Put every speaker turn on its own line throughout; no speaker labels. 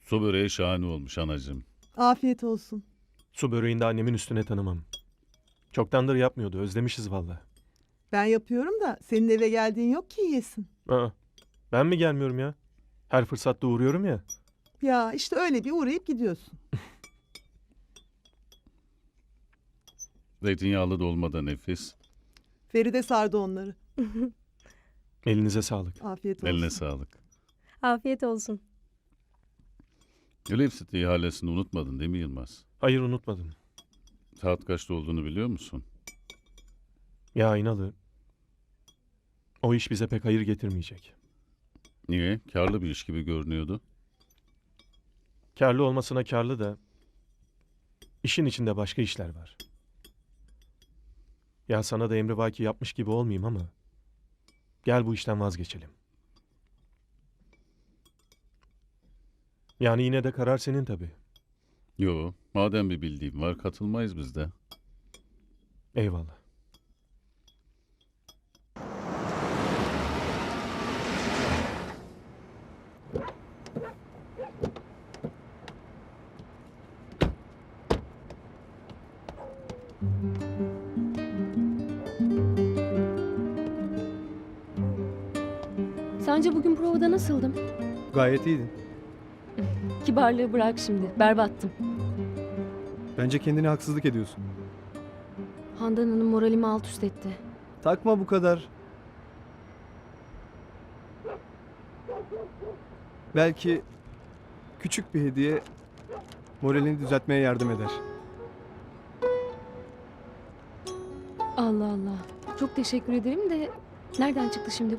Su böreği şahane olmuş anacığım.
Afiyet olsun.
Su böreğini de annemin üstüne tanımam. Çoktandır yapmıyordu. Özlemişiz valla.
Ben yapıyorum da senin eve geldiğin yok ki yiyesin.
Aa, ben mi gelmiyorum ya? Her fırsatta uğruyorum ya.
Ya işte öyle bir uğrayıp gidiyorsun.
Zeytinyağlı dolma da nefis.
Feride sardı onları.
Elinize sağlık.
Afiyet olsun.
Eline sağlık.
Afiyet olsun.
Elif ihalesini unutmadın değil mi Yılmaz?
Hayır, unutmadım.
Saat kaçta olduğunu biliyor musun?
Ya İnalı. O iş bize pek hayır getirmeyecek.
Niye? Karlı bir iş gibi görünüyordu.
Karlı olmasına karlı da işin içinde başka işler var. Ya sana da emrivaki yapmış gibi olmayayım ama gel bu işten vazgeçelim. Yani yine de karar senin tabii.
Yo, madem bir bildiğim var katılmayız biz de.
Eyvallah.
Sence bugün provada nasıldım?
Gayet iyiydin.
Kibarlığı bırak şimdi. Berbattım.
Bence kendine haksızlık ediyorsun.
Handan Hanım moralimi alt üst etti.
Takma bu kadar. Belki küçük bir hediye moralini düzeltmeye yardım eder.
Allah Allah. Çok teşekkür ederim de nereden çıktı şimdi bu?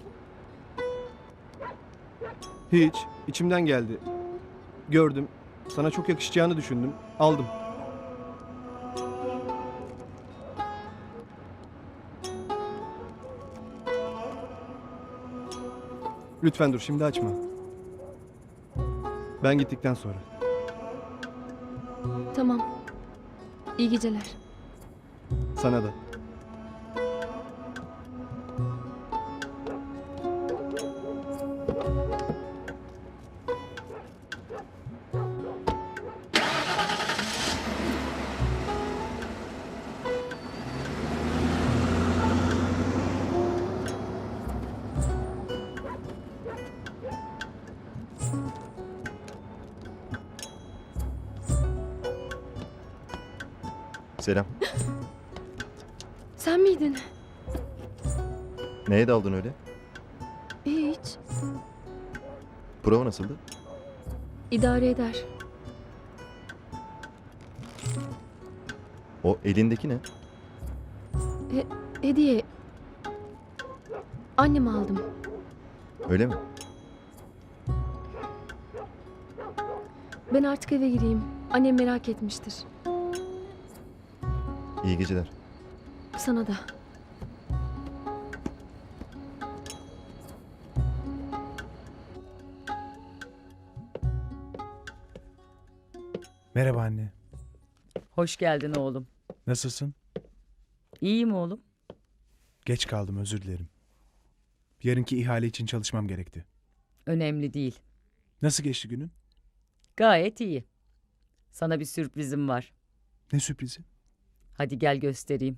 Hiç, içimden geldi. Gördüm, sana çok yakışacağını düşündüm, aldım. Lütfen dur, şimdi açma. Ben gittikten sonra.
Tamam. İyi geceler.
Sana da.
Selam.
Sen miydin?
Neye daldın öyle?
Hiç.
Prova nasıldı?
İdare eder.
O elindeki ne?
Hediye. Anneme aldım.
Öyle mi?
Ben artık eve gireyim. Annem merak etmiştir.
İyi geceler.
Sana da.
Merhaba anne.
Hoş geldin oğlum.
Nasılsın?
İyiyim oğlum.
Geç kaldım, özür dilerim. Yarınki ihale için çalışmam gerekti.
Önemli değil.
Nasıl geçti günün?
Gayet iyi. Sana bir sürprizim var.
Ne sürprizi?
Hadi gel göstereyim.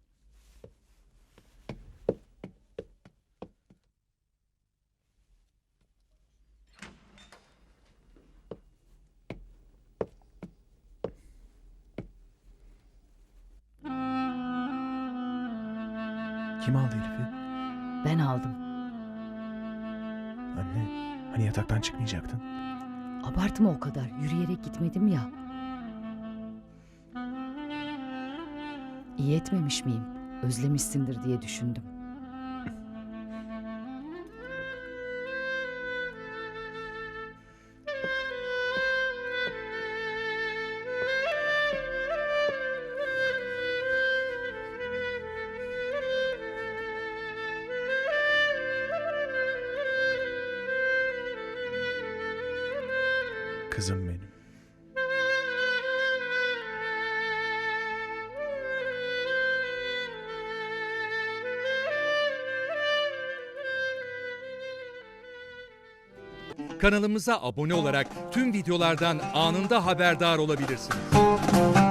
Kim aldı Elif'i?
Ben aldım.
Anne, hani yataktan çıkmayacaktın?
Abartma o kadar. Yürüyerek gitmedim ya. İyi etmemiş miyim? Özlemişsindir diye düşündüm.
Kızım benim.
Kanalımıza abone olarak tüm videolardan anında haberdar olabilirsiniz.